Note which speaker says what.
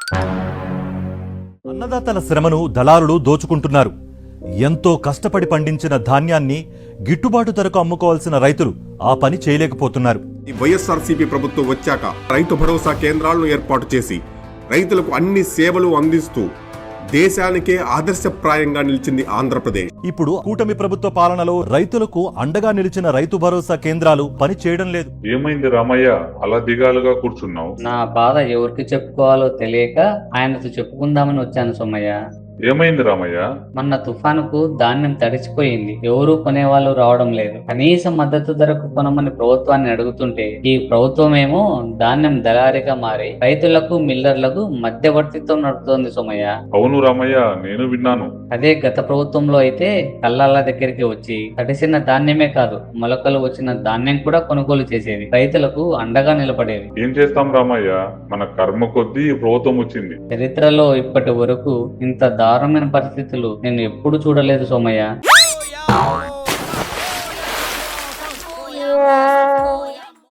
Speaker 1: అన్నదాతల శ్రమను దళారులు దోచుకుంటున్నారు. ఎంతో కష్టపడి పండించిన ధాన్యాన్ని గిట్టుబాటు ధరకు అమ్ముకోవాల్సిన రైతులు ఆ పని చేయలేకపోతున్నారు.
Speaker 2: ఈ వైఎస్ఆర్సీపీ ప్రభుత్వం వచ్చాక రైతు భరోసా కేంద్రాలను ఏర్పాటు చేసి రైతులకు అన్ని సేవలు అందిస్తూ దేశానికే ఆదర్శప్రాయంగా నిలిచింది ఆంధ్రప్రదేశ్.
Speaker 1: ఇప్పుడు కూటమి ప్రభుత్వ పాలనలో రైతులకు అండగా నిలిచిన రైతు భరోసా కేంద్రాలు పని చేయడం లేదు.
Speaker 3: ఏమైంది రామయ్య, అలా దిగాలుగా కూర్చున్నావు?
Speaker 4: నా బాధ ఎవరికి చెప్పుకోవాలో తెలియక ఆయనతో చెప్పుకుందామని వచ్చాను సోమయ్య.
Speaker 3: ఏమైంది రామయ్య?
Speaker 4: మొన్న తుఫానుకు ధాన్యం తడిచిపోయింది. ఎవరూ కొనేవాళ్ళు రావడం లేదు. కనీస మద్దతు ధరకు కొనమని ప్రభుత్వాన్ని అడుగుతుంటే ఈ ప్రభుత్వం ఏమో ధాన్యం దళారిగా మారి రైతులకు మిల్లర్లకు మధ్యవర్తిత్వం నడుపుతోంది సోమయ్య.
Speaker 3: అవును రామయ్య, నేను విన్నాను.
Speaker 4: అదే గత ప్రభుత్వంలో అయితే కల్లాల దగ్గరికి వచ్చి తడిసిన ధాన్యమే కాదు, మొలకలు వచ్చిన ధాన్యం కూడా కొనుగోలు చేసేది, రైతులకు అండగా నిలబడేది.
Speaker 3: ఏం చేస్తాం రామయ్య, మన కర్మ కొద్దీ ఈ ప్రభుత్వం వచ్చింది.
Speaker 4: చరిత్రలో ఇప్పటి వరకు ఇంత దారుణమైన పరిస్థితులు నేను ఎప్పుడు చూడలేదు సోమయ్య.